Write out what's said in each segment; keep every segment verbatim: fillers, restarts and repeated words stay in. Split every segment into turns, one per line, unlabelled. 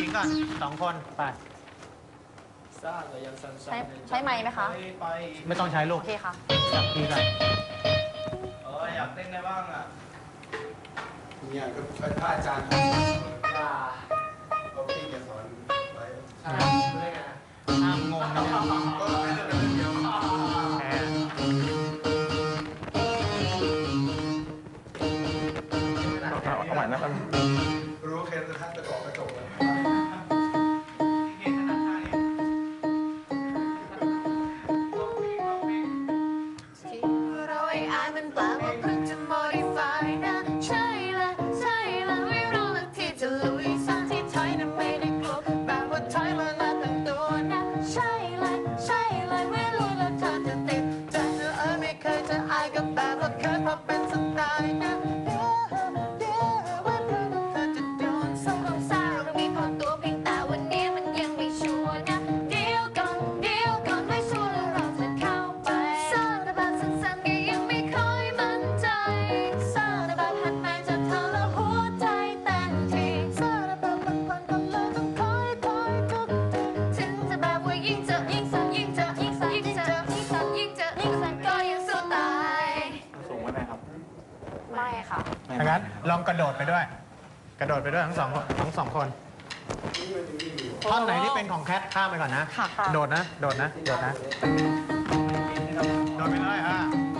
งก่อนสองคนไป
ใช้ใช้ไมค์ไหมคะ
ไม่ต้องใช้ลู
โอก เคค่ะ
จับพี่ก่อน
เอออยากเต้นได้บ้างอ่ะ
เนี่ยก็เป็นพระอาจารย์
อย่า
เขาที่จะสอนไว้
ห้ามงงนะ
ก็ไม่ได้เป็นเดียว
แพ้
เอาใหม่นะครับ
รู้แค่จะทักตะกอกกระจกเลย
เห็นขนาดท่านี้
เราไอ้อายมันแปลว่าเพิ่งจะ modify นะใช่ละใช่ละไม่รอละที่จะลุยสักที่ถอยนะไม่ได้กลัวแบบว่าถอยมามาตั้งตัวนะใช่ละใช่ละไม่รู้ละเธอจะติดใจเธอเออไม่เคยจะอายกับแบบว่าเคยพอเป็นสไตล์นะเดี๋ยวเดี๋ยวไว้เพราะว่าเธอจะโดนสงสารเรามีพอตัวเพียงแต่วันนี้มันยังไม่ชัวร์นะเดี๋ยวก่อนเดี๋ยวก่อนไม่ชัวร์แล้วเราจะเข้าไปสารแบบสั้นๆก็ยังไม่ค่อยมั่นใจสารแบบหันมาจากเธอแล้วหัวใจเต้นทีสารแบบบางวันก็เลยต้องคอยคอยทุกทีถึงจะแบบว่ายิ่งเจอยิ่งสั่นยิ่งเจอยิ่งสั่นยิ่งเจอยิ่งสั่นยิ่งเจอยิ่งสั่นก็ยังสู้ตาย
สูงไว้ไหมครับ
ไม่ค่ะ
ดังนั้นลองกระโดดไปด้วย กระโดดไปด้วยทั้งสองคนทั้งสองคนท่อนไหนที่เป็นของแคทข้ามไปก่อนนะ
ค่ะค่ะ
โดดนะ โดดนะ โดดนะ โดดไปเลยอ่ะ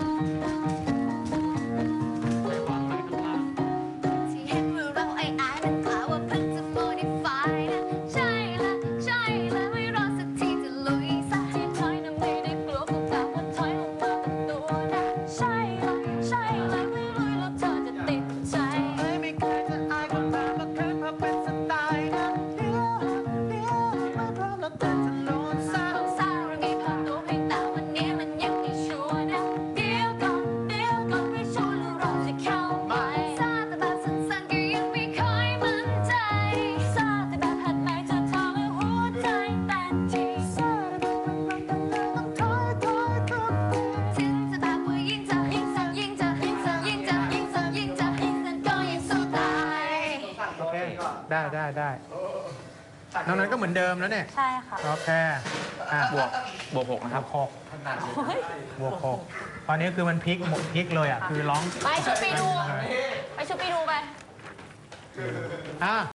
ที่เห็นว่าเราไอ้อายมันกล่าวว่าเพิ่งจะ modify นะใช่ละใช่ละไม่รอสักทีจะลุยสักทีถอยนะไม่ได้กลัวก็แบบว่าถอยลงมาตั้งตัวนะใช่ละใช่ละไม่ลุยแล้วเธอจะติดใจไม่เคยจะอายก็แบบว่าเคยพอเป็นสไตล์นะเดี๋ยวเดี๋ยวไม่พร้อมแล้วเธอจะโดนสาวสาวเรามีพอตัวเพียงแต่วันนี้มันยังไม่ชัวร์นะเดี๋ยวก่อนเดี๋ยวก่อนไม่ชัวร์แล้วเราจะเข้าไปซาแต่แบบสั้นๆก็ยังไม่ค่อยมั่นใจซาแต่แบบหัดไหนจะทำให้หัวใจเต้นทีซาแต่แบบบางวันก็เลยต้องถอยถอยทุกทีถึงจะแบบว่ายิ่งเจอยิ่งสั่นยิ่งเจอยิ่งสั่นยิ่งเจอยิ่งสั่นยิ่งเจอยิ่งสั่นก็ยังสู้ตาย
โอเค ได้ได้ได้นอกนั้นก็เหมือนเดิมแล้วเนี่ย
ใช่ค่ะ
โอเค อ่ะ
บวก บวกหกนะ
บ
ครั
ว
บ
กหกบวกหกตอนนี้คือมันพลิกหมดพลิกเลยอ่ะ คือร้อง
ไปชุดไปดู ไปชุดไปดูไป
อ่ะ